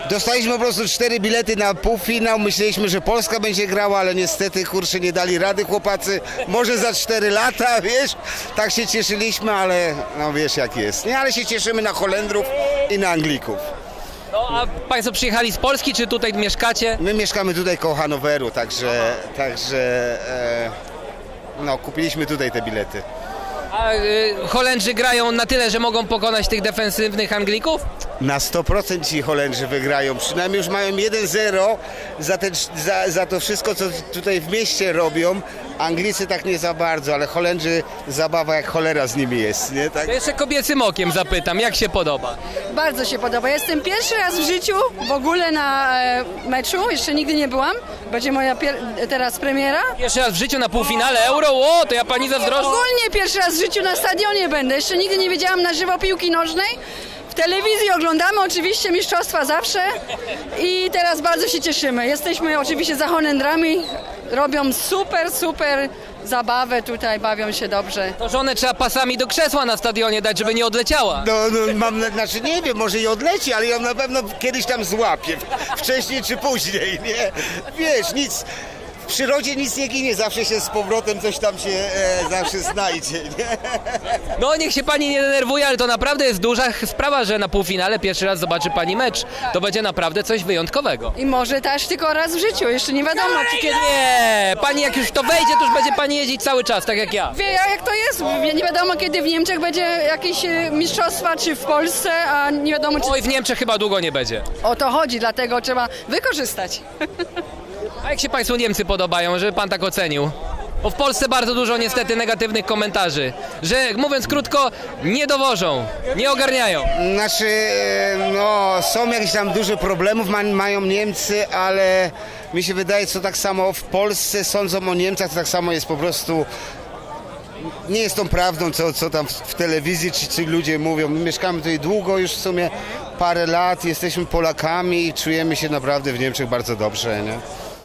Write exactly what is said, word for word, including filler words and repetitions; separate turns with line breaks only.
Dostaliśmy po prostu cztery bilety na półfinał, myśleliśmy, że Polska będzie grała, ale niestety, kurczę, nie dali rady chłopacy, może za cztery lata, wiesz, tak się cieszyliśmy, ale no wiesz jak jest, nie, ale się cieszymy na Holendrów i na Anglików.
No, a Państwo przyjechali z Polski, czy tutaj mieszkacie?
My mieszkamy tutaj koło Hanoweru, także, także e, no, kupiliśmy tutaj te bilety.
A y, Holendrzy grają na tyle, że mogą pokonać tych defensywnych Anglików?
Na sto procent ci Holendrzy wygrają, przynajmniej już mają jeden zero za, te, za, za to wszystko, co tutaj w mieście robią. Anglicy tak nie za bardzo, ale Holendrzy zabawa jak cholera z nimi jest, nie? Tak?
To jeszcze kobiecym okiem zapytam, jak się podoba?
Bardzo się podoba. Jestem pierwszy raz w życiu w ogóle na e, meczu, jeszcze nigdy nie byłam. Będzie moja pier- teraz premiera.
Pierwszy raz w życiu na półfinale Euro? O, to ja pani zazdroszczę.
Ogólnie pierwszy raz w życiu na stadionie będę. Jeszcze nigdy nie wiedziałam na żywo piłki nożnej. W telewizji oglądamy oczywiście mistrzostwa zawsze i teraz bardzo się cieszymy. Jesteśmy oczywiście za Holendrami. Robią super, super zabawę tutaj, bawią się dobrze.
To żonę trzeba pasami do krzesła na stadionie dać, żeby nie odleciała.
No, no mam, na- znaczy nie wiem, może i odleci, ale ją na pewno kiedyś tam złapie, wcześniej czy później, nie? Wiesz, nic, w przyrodzie nic nie ginie, zawsze się z powrotem coś tam się e, zawsze znajdzie, nie?
No niech się pani nie denerwuje, ale to naprawdę jest duża sprawa, że na półfinale pierwszy raz zobaczy pani mecz. To będzie naprawdę coś wyjątkowego.
I może też tylko raz w życiu, jeszcze nie wiadomo czy kiedy.
Nie, pani jak już to wejdzie, to już będzie pani jeździć cały czas, tak jak ja.
Wie jak to jest, nie wiadomo kiedy w Niemczech będzie jakieś e, mistrzostwa, czy w Polsce, a nie wiadomo czy...
Oj, w Niemczech chyba długo nie będzie.
O to chodzi, dlatego trzeba wykorzystać.
A jak się państwu Niemcy podobają, żeby pan tak ocenił? Bo w Polsce bardzo dużo niestety negatywnych komentarzy, że mówiąc krótko, nie dowożą, nie ogarniają.
Znaczy, e, no, są jakieś tam duże problemów, ma, mają Niemcy, ale mi się wydaje, co tak samo w Polsce sądzą o Niemcach, to tak samo jest po prostu, nie jest tą prawdą, co, co tam w, w telewizji czy, czy ludzie mówią. My mieszkamy tutaj długo, już w sumie parę lat, jesteśmy Polakami i czujemy się naprawdę w Niemczech bardzo dobrze, nie?